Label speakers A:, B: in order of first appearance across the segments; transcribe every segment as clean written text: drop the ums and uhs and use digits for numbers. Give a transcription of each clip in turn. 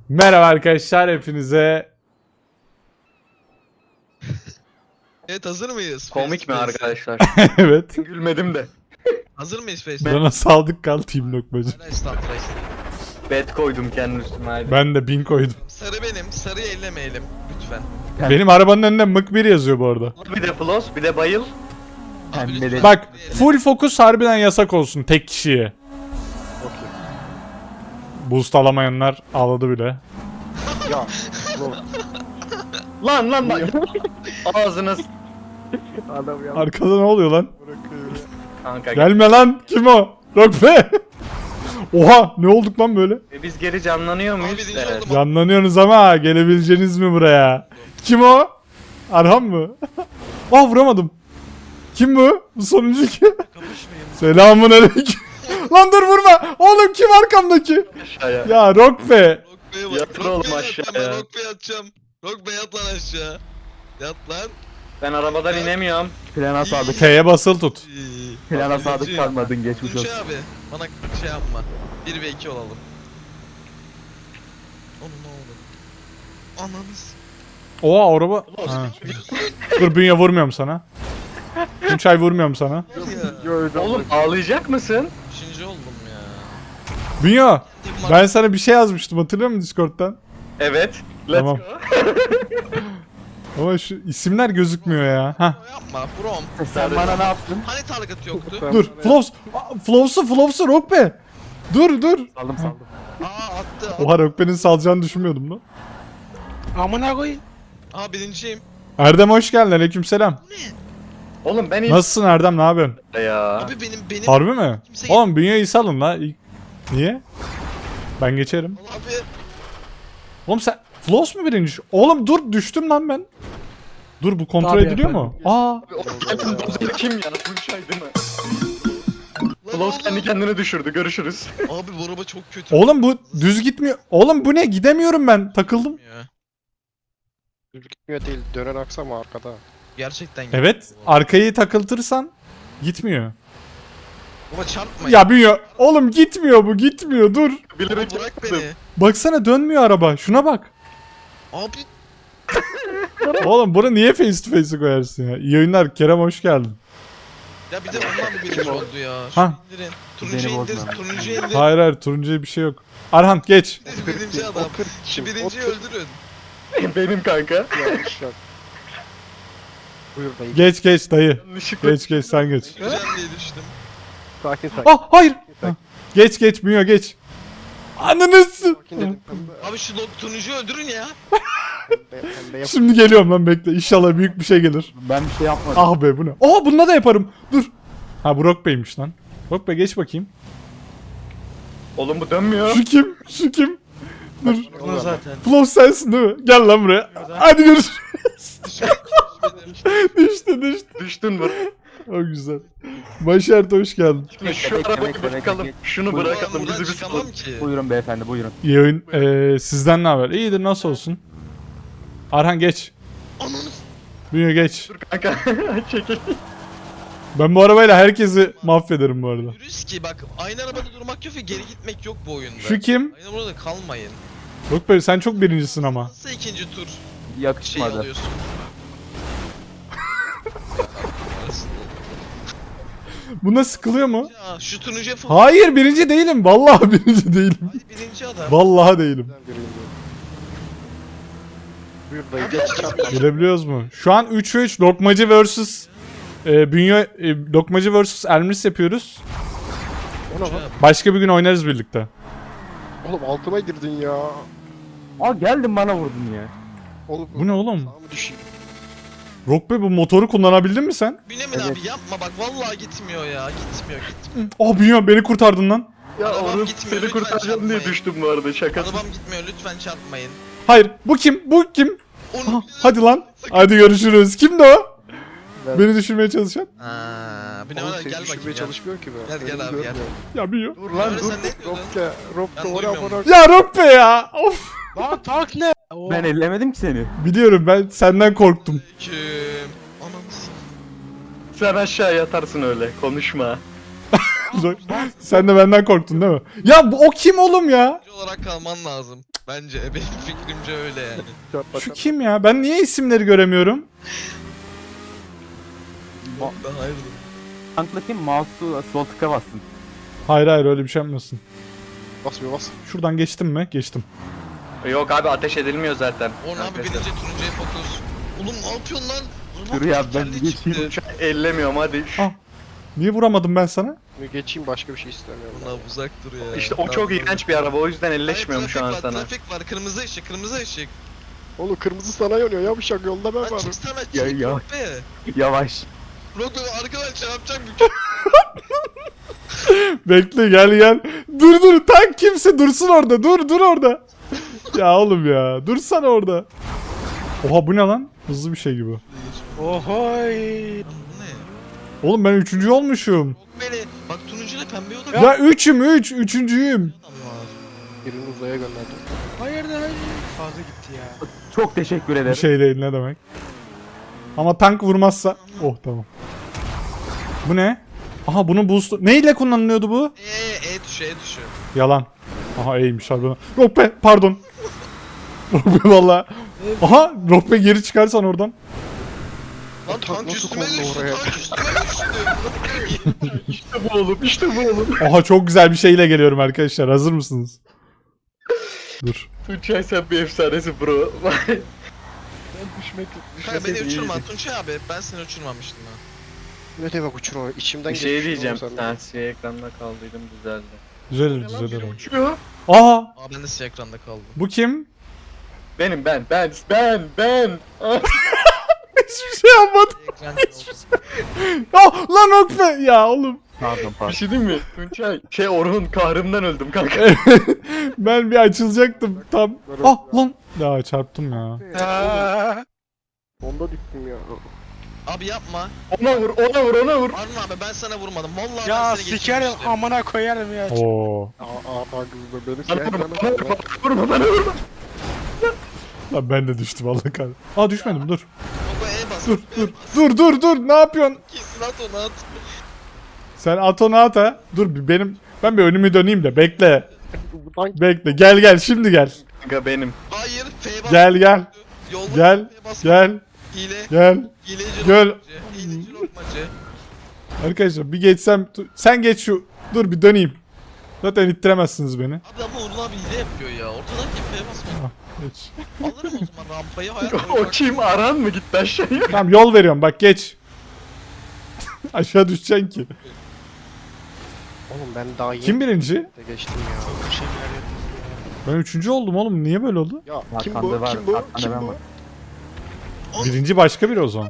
A: Merhaba arkadaşlar hepinize.
B: Evet, hazır mıyız?
C: Komik mi
B: Face to
C: arkadaşlar?
A: Evet.
C: Gülmedim de.
B: Hazır mıyız Face?
A: Bana saldık kal Team Lokmacı.
B: Hala estağfurullah.
C: Bet koydum kendi üstüme hadi.
A: Ben de 1000 koydum.
B: Sarı benim. Sarıyı ellemeyelim lütfen.
A: Benim arabanın önünde mık 1 yazıyor bu arada.
C: Bir de plus, bir de bayıl.
B: Abi
D: Pembe
B: lütfen
A: Bak
B: sarıyı elle.
A: full fokus harbiden yasak olsun tek kişiye. Boost alamayanlar ağladı bile.
D: Ya.
C: Lan lan lan. Ağzınız.
D: Adam ya.
A: Arkada ne oluyor lan?
D: Bırakıyor.
C: Kanka
A: Gelme lan, kim o? Rokbe. Oha, ne olduk lan böyle?
C: Biz geri canlanıyor muyuz?
B: birinci
C: Evet.
B: oldum.
A: Canlanıyorsunuz ama gelebileceğiniz mi buraya? Kim o? Arhan mı? Ah, vuramadım. Kim bu? Bu sonuncu kim? Selamun aleyküm. Lan dur, vurma. Oğlum kim arkamdaki?
C: Aşağıya.
A: Ya Rokbe.
B: Rockbay'e bak.
C: Yatır oğlum
B: Rockbay'e
C: aşağıya.
B: yatacağım ben, Rockbay'e yatacağım. Rockbay yat lan aşağı. Yat lan.
C: Ben arabadan inemiyorum.
D: Plana sadık.
A: F'ye basılı tut.
B: İyi.
D: Plana
B: Birinci.
D: sadık kalmadın, geçmiş
B: Tunç
D: olsun.
B: abi bana şey yapma. 1 ve 2 olalım. Onu ne oldu? Ananız.
A: Oha, araba. Ha. Dur, bünye vurmuyorum sana. Tunçay vurmuyorum sana.
B: Ya.
C: Oğlum ağlayacak mısın?
B: 3. oldum ya.
A: Bünyo, ben sana bir şey yazmıştım, hatırlıyor musun Discord'dan?
C: Evet. Let's
A: Tamam.
C: go.
A: Ama şu isimler gözükmüyor ya. Hah.
B: Yapma From.
D: Sen bana ne yaptın?
B: Hani target yoktu?
A: Dur, Flops'u Rokbe. Dur.
D: Saldım.
B: Aa attı.
A: Oha, Rokbe'nin salacağını düşünmüyordum lan.
B: Amına koyayım. Aa birinciyim.
A: Erdem hoş geldin, aleykümselam.
C: Oğlum ben
A: Nasılsın Erdem, ne yapıyorsun?
C: ya.
B: Abi benim
A: Harbi mi?
B: Kimse-
A: Oğlum Bünyo'yu salın la. Niye? Ben geçerim.
B: abi
A: Oğlum sen Floss mu birinci? Oğlum dur, düştüm lan ben. Dur, bu kontrol
D: Tabii
A: ediliyor mu? Aa,
C: Oğlum dozer kim ya? Tunçay değil mi?
B: lan
C: Plus kendi
B: oğlum.
C: kendine düşürdü. Görüşürüz.
B: Abi bu araba çok kötü.
A: oğlum bu düz gitmiyor. Oğlum bu ne? Gidemiyorum ben. Takıldım.
B: Ya.
E: Gitmiyor değil, dönen aksam arkada.
B: Gerçekten
A: Evet, arkayı takıltırsan gitmiyor.
B: Baba çarpma.
A: Ya Bünyo, oğlum gitmiyor bu, gitmiyor. Dur.
C: Bilerek
B: Baba bırak
C: yaptım.
B: beni.
A: Baksana, dönmüyor araba. Şuna bak.
B: Abi
A: Oğlum bunu niye face to face'e koyarsın ya? İyi oyunlar. Kerem hoş geldin.
B: ya bir de ondan mı birinci oldu ya?
A: Ha.
B: Şunu indirin. Turuncu
D: Beni
B: indir.
D: bozma.
B: Turuncu indir.
A: Hayır, turuncuya bir şey yok. Arhan geç.
B: Birinci adam. Şu birinciyi öldürün.
C: Benim kanka.
E: Yanlış yok. Buyur dayı.
A: Geç dayı.
C: Yanlışlıkla.
A: Geç sen geç.
B: Güzel diye düştüm.
E: Sakin sakin.
A: Ah hayır. Ah. Geç Bünyo geç. Ananız.
E: Sakin dedim.
B: Abi şu turuncuyu öldürün ya.
E: Pembe yap.
A: Şimdi geliyorum lan, bekle. İnşallah büyük bir şey gelir.
D: Ben bir şey yapmadım.
A: Ah be, bu ne? Aa, bununla da yaparım. Dur. Ha, bu Rock Bey'miş lan. Rock Bey geç bakayım.
C: Oğlum bu dönmüyor.
A: Şu kim? Dur.
E: Bunu zaten.
A: Flow sensin değil mi? Gel lan buraya. Hadi görüşürüz. düştü.
C: Düştün mü?
A: O güzel. Başart hoş geldin.
C: Şimdi şu arabayı bırakalım. Şunu
D: Buyurun.
C: bırakalım. Bizi bir
B: çıkamam
C: sıkıntı.
B: ki.
D: Buyurun beyefendi, buyurun.
A: İyi oyun. Sizden ne haber? İyidir, nasıl olsun? Arhan geç.
B: Ananı
A: Bünyo geç.
C: Dur kanka. Çekil.
A: Ben bu arabayla herkesi mahvederim bu arada.
B: yürüyüz ki bak aynı arabada durmak yok ve geri gitmek yok bu oyunda.
A: Şu kim?
B: Aynı burada kalmayın.
A: Rock Bey sen çok birincisin ama.
B: Nasıl ikinci tur şey
D: Yakışmadı.
B: alıyorsun?
A: Buna sıkılıyor mu?
B: Ya şu turuncuya falan.
A: Hayır, birinci değilim. Vallahi birinci değilim.
B: Hayır birinci adam.
A: Vallahi değilim.
E: Buyur dayı geç çarp.
A: Gelebiliyoruz mu? Şu an 3'e 3 Lokmacı vs. Lokmacı vs. Elmris yapıyoruz.
E: O ne lan?
A: Başka bir gün oynarız birlikte.
E: Oğlum altıma girdin ya.
D: Aa, geldin bana vurdun ya.
E: Oğlum
A: Bu ne oğlum?
E: sağa mı düşeyim?
A: Rock Bey, bu motoru kullanabildin mi sen?
B: Bünyamin
D: Evet.
B: abi yapma bak vallahi gitmiyor ya. Gitmiyor.
A: Oh Bünyo, beni kurtardın lan.
C: Ya
B: Arabam
C: oğlum
B: gitmiyor,
C: seni
B: lütfen
C: kurtaracağım diye
B: çarpmayın.
C: düştüm bu arada şakasız.
B: Arabam gitmiyor lütfen çarpmayın.
A: Hayır, bu kim?
B: Onu
A: Ah, hadi lan. Hadi görüşürüz. Kimdi o?
E: Ben-
A: Beni düşürmeye çalışan.
B: Bünyamin
E: Oğlum
B: abi
E: seni
B: gel
E: düşürmeye
B: bakayım ya.
E: çalışmıyor ki be.
B: Gel, gel
E: Beni
B: abi, gel.
E: görmüyor.
A: Ya Bünyo.
C: Dur lan
B: Öyle
C: dur.
B: sen ne diyordun?
E: Ropke, Ropke
B: Ben
E: ora
B: duymuyorum.
E: bana.
A: Ya Rock Bey ya. Of.
E: Lan tank ne?
D: Ben ellemedim ki seni.
A: Biliyorum, ben senden korktum.
B: Kim? Ananı s-
C: Sen aşağı yatarsın öyle. Konuşma.
A: Sen de benden korktun değil mi? Ya o kim oğlum ya?
B: olarak kalman lazım. Bence benim fikrimce öyle yani.
A: Şu kim ya? Ben niye isimleri göremiyorum?
B: Ben hayırdır.
D: Tankla kim? Mouse'u sol tıka bassın.
A: Hayır hayır öyle bir şey yapmıyorsun.
E: Bas bir bas.
A: Şuradan geçtim mi? Geçtim.
C: Yok abi ateş edilmiyor zaten.
B: Orhan abi
C: Arkadaşlar.
B: birinci turuncuya fokus. Oğlum ne yapıyorsun lan? Araba
D: Dur ya, ben
B: tekerleği
D: bir
B: çıktı.
D: geçeyim.
C: Şu an ellemiyorum hadi.
A: Ah. Niye vuramadım ben sana?
E: Bir geçeyim başka bir şey istemiyorum.
B: Buna uzak dur ya.
C: İşte o çok iğrenç bir araba o yüzden
B: Hayır,
C: elleşmiyorum şu an
B: trafik var,
C: sana.
B: Trafik var, kırmızı ışık, kırmızı ışık.
E: Oğlum kırmızı sana yanıyor yavşak yolda ben
B: Lan
E: varım.
B: çıksana, çık.
D: Ya, ya.
B: Be.
D: Yavaş.
B: Rogo arkadan çarpacak bir
A: Bekle gel. Dur tank kimse dursun orada. Dur orada. Ya oğlum ya. Dursana orada. Oha bu ne lan? Hızlı bir şey gibi.
F: Ohoy.
B: Bu ne?
A: Oğlum ben üçüncü olmuşum.
B: Yok beni. Bak turuncuyla pembe yolda bir
A: Ya üçüncüyüm.
B: adam var.
E: Birini uzaya gönderdim.
F: Hayırdır hayır. Fazla gitti ya.
D: Çok teşekkür
A: Bir
D: ederim.
A: şey değil ne demek. Ama tank vurmazsa. Oh tamam. Bu ne? Aha bunun boost... Neyle kullanılıyordu bu?
B: E tuşu.
A: Yalan. Aha iyiymiş harbiden. Rohbe pardon. Rohbe valla. Aha Rohbe geri çıkarsan oradan.
B: Lan tank
E: nasıl
B: üstüme
E: kondu
B: düştü,
E: oraya?
B: tank üstüme düştü.
C: İşte bu oğlum işte bu oğlum.
A: Aha çok güzel bir şeyle geliyorum arkadaşlar. Hazır mısınız? Dur.
C: Tuncay sen bir efsanesi bro. Ben
B: Kanka beni
C: düşmeseydim
B: uçurma
C: iyiydi.
B: Tunçay abi, ben seni uçurmamıştım ha.
E: Ne demek uçurma içimden
C: Bir şey
E: geçmiş
C: diyeceğim.
E: oğlum sen.
C: Ben siyah ekranda kaldıydım düzeldi.
A: Düzelir.
C: Uçuyor.
A: Aha
B: Aa ben de siyah ekranda kaldım.
A: bu kim?
C: Benim ben.
A: Hiçbir şey yapmadım.
B: Ekran oldu.
A: Ah lan Rohbe. Ya oğlum.
D: Pardon
C: Bir
D: pardon.
C: şey diyeyim mi? Tuncay Orhun kahrımdan öldüm kanka.
A: Ben bir açılacaktım tam. Ah lan. Ya çarptım ya.
F: Aa,
E: Onda düştüm ya.
B: Abi yapma.
C: Ona vur.
B: Arun abi ben sana vurmadım. Vallahi
F: ya
B: ben seni
F: sikerim
B: geçirmiştim.
F: amına koyarım ya.
A: Oo.
E: Aa kızım beni
C: Bana
E: şey
C: vurma, bana vurma.
A: Lan ben de düştüm Allah kahretsin. Aa düşmedim dur.
B: Baba E bas.
A: Dur ne yapıyorsun?
B: Kesin at onu at.
A: Sen at onu at ha. Dur ben bir önümü döneyim de bekle.
E: Bu tank
A: Bekle gel şimdi gel.
C: Kanka benim.
B: Hayır F bas.
A: Gel.
B: Yolda
A: Gel.
B: F bas.
A: Gel.
B: Hile. Hileci
A: Gel.
B: lokmacı. Hileci lokmacı.
A: Arkadaşlar bir geçsem sen geç şu. Dur bir döneyim. Zaten ittiremezsiniz beni.
B: Abi ama Uğur abi hile yapıyor ya. Ortadan kim F basmıyor.
A: Geç.
B: Alırım o zaman rampayı hayat boyu
C: O
B: bak-
C: kim? Aran mı gitti aşağıya?
A: Tamam yol veriyorum bak geç. Aşağı düşeceksin ki.
E: Oğlum ben daha yeni
A: Kim birinci?
E: de geçtim ya.
F: Çok bir şeyler yapıyorsun ya.
A: Ben üçüncü oldum oğlum. Niye böyle oldu?
E: Ya kim
D: Arkanda
E: bu?
D: var,
E: Kim bu?
D: arkanda
E: Kim
D: ben
E: bu?
D: var.
A: Birinci başka biri o zaman.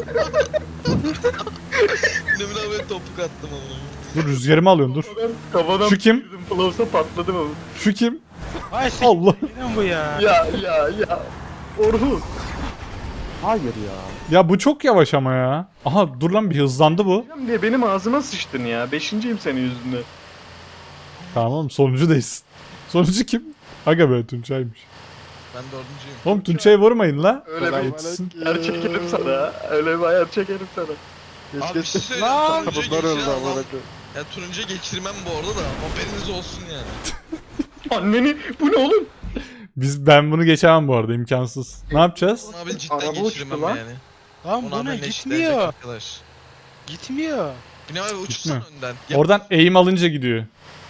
B: Demin abi topuk attım onu.
A: Dur rüzgarımı alıyorsun dur.
C: Kafadan
A: Şu kim?
C: girdim, Flows'a patladım ama.
A: Şu kim?
F: Ay siktir.
A: Allah.
F: Yine mi bu ya?
C: Ya. Orhun.
D: Hayır ya.
A: Ya bu çok yavaş ama ya. Aha dur lan bir hızlandı bu.
C: Diye benim ağzıma sıçtın ya. Beşinciyim senin yüzünden.
A: Tamam oğlum sonuncudayız. Sonuncu kim? Aga be Tunçay'mış.
B: Ben dördüncüyüm.
A: Oğlum Tunçay'ı vurmayın la.
C: Öyle
E: Kolay
C: bir
A: Yetişsin.
C: ayar çekerim sana. Öyle bir ayar çekerim sana.
B: Abi bir şey söyleyeyim.
F: Lan!
B: Turuncuyu
E: Kapılar öldü
B: geçiren
E: amına
B: adam.
E: koyayım.
B: Ya turuncuyu geçirmem bu arada da haberiniz olsun yani.
C: Anneni bu ne oğlum?
A: Ben bunu geçemem bu arada imkansız. Ne yapacağız?
B: Onu abi cidden
C: Araba
B: geçirmem
C: uçtu lan.
B: yani.
F: Lan
B: Onu
F: bu ne
B: haberine eşitlenecek
F: gitmiyor.
B: arkadaş.
F: Gitmiyor.
B: Bine abi uçursan
A: Gitmiyor.
B: önden. Ya,
A: Oradan eğim alınca gidiyor.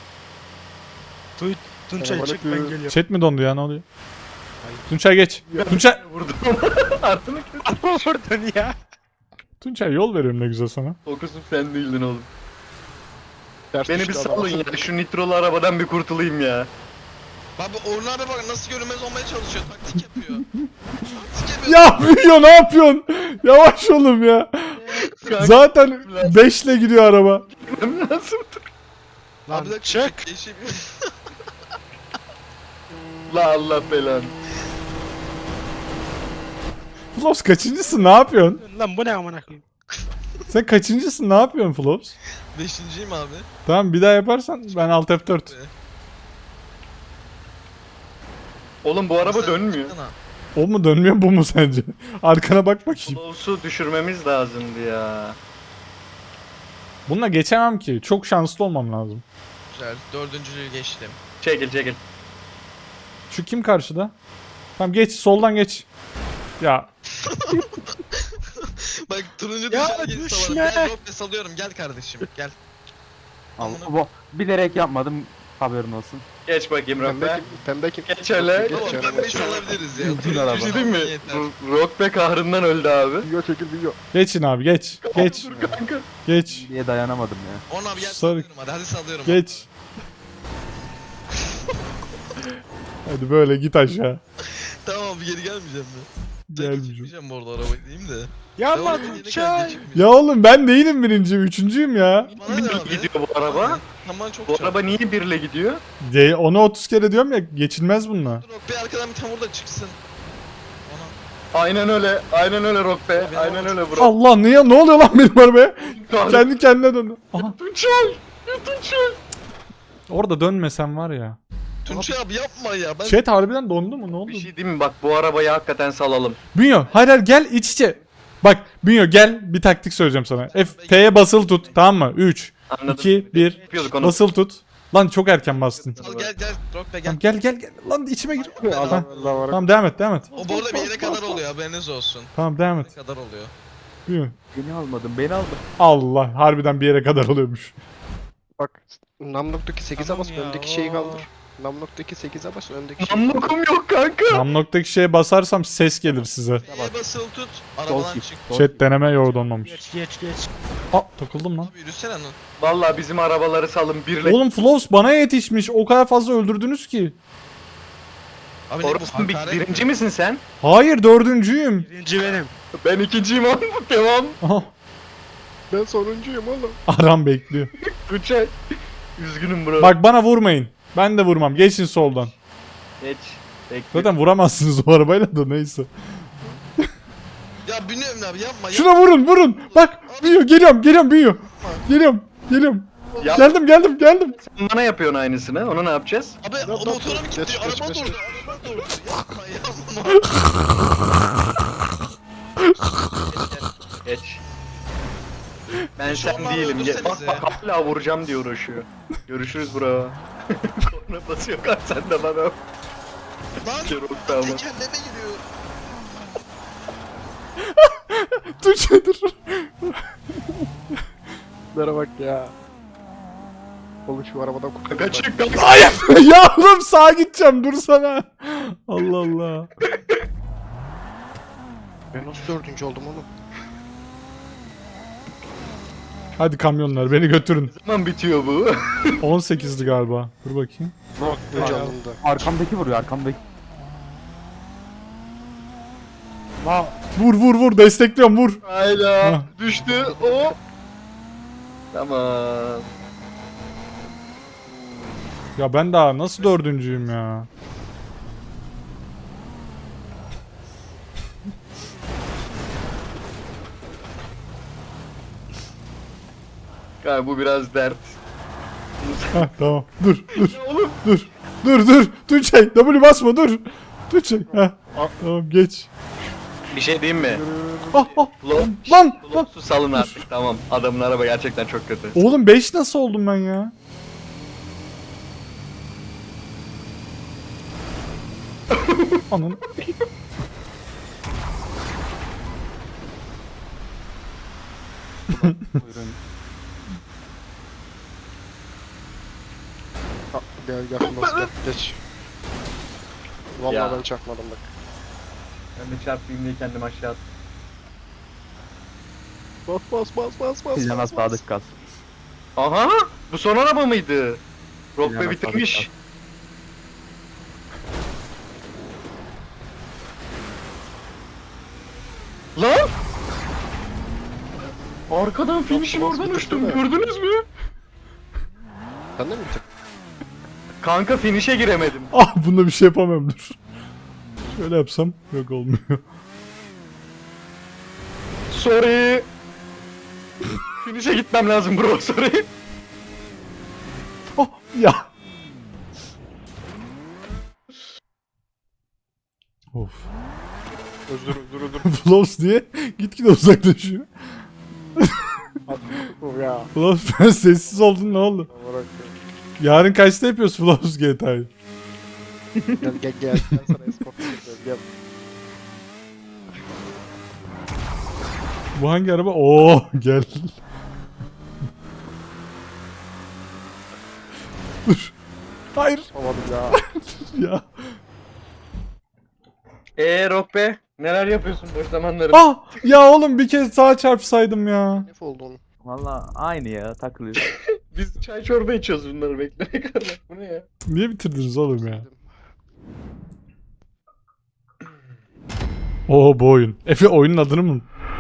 F: Tunçay çık ben geliyorum.
A: Chat mi dondu ya ne oluyor? Tunçay geç. Tunçay.
C: Vurdum. Ardını kötü.
F: Vurdun ya.
A: Tunçay yol veriyorum ne güzel sana.
C: Fokusun sen değildin oğlum.
E: Ters
C: Beni bir
E: düştü adam.
C: salın ya. Şu nitrolu arabadan bir kurtulayım ya.
B: Abi Orhun abi bak nasıl görünmez olmaya çalışıyor. Taktik yapıyor. Taktik yapıyor.
A: Ya yapıyor ne yapıyorsun? Yavaş oğlum ya.
C: Kanka
A: Zaten 5'le gidiyor araba.
C: gitmem lazım.
F: Lan
B: Abi de
F: çık.
B: Değişik.
C: La Allah belanı.
A: Flops kaçıncısın ne yapıyorsun?
F: Lan bu ne amına koyayım?
A: Sen kaçıncısın ne yapıyorsun Flops?
B: Beşinciyim abi.
A: Tamam bir daha yaparsan ben Alt F4.
C: Oğlum bu araba
B: Sen
C: dönmüyor.
B: çıksana.
A: O mu dönmüyor bu mu sence? Arkana bak bakayım.
C: Flows'u düşürmemiz lazımdı ya.
A: Bununla geçemem ki. Çok şanslı olmam lazım.
B: Güzel. Dördüncülüğü geçtim.
C: Çekil.
A: Şu kim karşıda? Tamam geç soldan geç. Ya
B: Bak turuncu
F: Ya
B: dışarı geri
F: düşme.
B: salarım. Gel Roppe salıyorum gel kardeşim gel.
D: Allah, bu bilerek yapmadım. Haberin olsun.
C: Geç bakayım
E: Pembe
C: Rokbe.
E: kim? Pembe kim?
C: Geç hele.
E: Geç
B: Tamam
E: canım,
B: pembeyi
E: geç canım.
B: salabiliriz ya.
D: Bin araba.
C: Bir şey diyeyim mi?
B: Yeter.
C: Rokbe kahrından öldü abi.
E: Video çekil video.
A: geçin abi geç. Geç.
C: Dur kanka.
A: Geç.
D: Diye dayanamadım ya.
B: On abi gel
A: Sarı-
B: sallıyorum hadi sallıyorum.
A: Geç. Hadi böyle git aşağı.
B: Tamam abi geri gelmeyeceğim mi?
A: Gelmeyeceğim.
B: Gitmeyeceğim bu arada arabayı diyeyim de.
F: Yapma
B: Devam edin,
F: Tuğçe.
B: yine geçmeyeceğim.
A: Ya oğlum ben değilim birinciyim, üçüncüyüm ya.
B: Bana ne
C: Birle
B: abi?
C: gidiyor bu araba.
B: Tamam çok
C: Bu
B: çok.
C: araba niye birle gidiyor?
A: Onu 30 kere diyorum ya, geçilmez bununla.
B: Dur Roppe arkadan bir tam orada çıksın. Ona.
C: Aynen öyle. Aynen öyle Rokbe.
B: Tabii,
C: Aynen
B: ama-
C: öyle bro.
A: Allah ne oluyor lan benim arabaya?
C: Kahretsin.
A: Kendi kendine döndü. Aha,
C: Tunçay. Tunçay.
A: orada dönmesen var ya.
B: Tunçay abi yapma ya. Ben
A: Chat harbiden dondu mu, ne oldu?
C: Bir şey diyeyim mi? Bak bu arabayı hakikaten salalım.
A: Bünyo hayır hayır gel iç içe. Bak Bünyo gel, bir taktik söyleyeceğim sana. F'ye basılı tut, tamam mı? 3,
C: Anladım.
A: 2, 1.
C: Yapıyorduk onu.
A: Basılı tut. Lan çok erken bastın.
B: Al gel gel Roppe gel.
A: Tamam, gel. Lan içime gir.
E: Allah Allah var.
A: Tamam devam et.
B: O bu arada bir yere kadar oluyor haberiniz olsun.
A: Tamam devam
B: Bir
A: et.
B: yere kadar oluyor.
A: Bünyo.
D: Beni almadın, beni aldın.
A: Allah harbiden bir yere kadar oluyormuş.
E: Bak Namlok'taki 8'e
F: Tamam
E: bas
F: ya,
E: öndeki şeyi
F: oo.
E: kaldır. Namlok'taki 8'e bas öndeki şeyi kaldır.
C: Namlukum yok kanka.
A: Namnoktaki şeye basarsam ses gelir size.
B: F'ye basılı tut. Arabadan
D: git.
B: çık.
A: Chat deneme yoğurt olmamış.
F: Geç.
A: Aa takıldım lan.
B: Abi yürüsene lan.
C: Vallahi bizim arabaları salın birle.
A: Oğlum Flows bana yetişmiş. O kadar fazla öldürdünüz ki.
B: Abi ne bu
C: Orası
B: hakaret
C: birinci
B: mi?
C: misin sen?
A: Hayır dördüncüyüm.
F: Birinci benim.
C: Ben ikinciyim oğlum. Devam.
A: Aha,
E: Ben sonuncuyum oğlum.
A: Aram bekliyor.
C: Tunçay. Üzgünüm bro.
A: Bak bana vurmayın. Ben de vurmam. Geçin soldan.
C: Geç. Bekle.
A: Zaten vuramazsınız o arabayla da neyse.
B: Ya bilmiyorum abi yapma.
A: Şuna vurun. Bak büyüyor. Geliyorum büyüyor. Geliyorum.
C: Ya,
A: Geldim.
C: sen bana yapıyorsun aynısını. Onu ne yapacağız?
B: Abi o motora mı
E: Geç,
B: gitti?
E: geç,
B: Araba
E: geç,
B: durdu.
E: geç.
B: Araba durdu. Yapma.
C: Geç. Ben
B: Şu an
C: sen
B: bana
C: değilim.
B: öldürsenize.
C: Bak hala vuracağım diye uğraşıyor. Görüşürüz bro. Korna basıyor kaç sen de bana.
B: Lan
C: Çok tamam.
B: tekerleme giriyor.
A: Dur.
E: Bunlara bak ya. Oğlum şu arabadan kurtulun.
C: Kaçık kanka.
A: Hayır. Ya oğlum sağa gideceğim. Dursana. Allah.
E: Ben nasıl 4. oldum oğlum?
A: Hadi kamyonlar beni götürün.
C: Ne zaman bitiyor bu?
A: 18'di galiba. Dur bakayım.
E: Önce alındı.
D: Arkamdaki vuruyor, arkamdaki.
A: Vur. Destekliyorum vur.
C: Hayda.
A: Hah.
C: Düştü. O. Tamam.
A: Ya ben daha nasıl dördüncüyüm ya?
C: Kanka bu biraz dert.
A: Heh, tamam. Dur.
C: Oğlum.
A: Dur. Tuğçe. W basma dur. Tuğçe. Heh. Tamam geç.
C: Bir şey diyeyim mi?
A: Ah.
C: Lan.
A: Lan.
C: Su salın artık tamam. Adamın araba gerçekten çok kötü.
A: Oğlum 5 nasıl oldum ben ya? Anın.
D: Buyurun.
E: Gel Flos gel. Geç. Vallahi
C: Ya.
E: ben çakmadım bak.
C: Ben de çarpayım diye kendimi aşağı attım.
E: Bas.
D: Plana sadık kal.
C: Aha! Bu son araba mıydı?
D: Plana
C: Rokbe bitirmiş.
D: sadık
C: Lan! Arkadan finish'in
E: Bas,
C: oradan
E: bas,
C: uçtum
E: bitirdi mi?
C: gördünüz mü?
E: Sen de mi bitirdin?
C: Kanka finish'e giremedim.
A: Ah bunda bir şey yapamam dur. Şöyle yapsam yok olmuyor.
C: Sorry. Finish'e gitmem lazım bro sorry.
A: Ah ya. Of.
E: Özür.
A: Flows diye gitgide uzaklaşıyor.
E: Ya.
A: Flows ben sessiz oldun ne oldu?
E: Bırak.
A: Yarın kaçta yapıyoruz Flows GTA'yı?
E: Gel ben sana escort yapıyorum gel.
A: Bu hangi araba? Oo gel. Dur. Hayır
E: Olmadım ya.
A: ya.
C: Rock be. Neler yapıyorsun boş zamanları?
A: Ah ya oğlum bir kez sağa çarpsaydım ya.
E: Ne oldu onun?
D: Valla aynı ya takılıyor.
C: Biz çay çorba içiyoruz bunları bekleyene kadar. Bu ne ya?
A: Niye bitirdiniz oğlum ya? Oo bu oyun. Efe oyunun adını mı?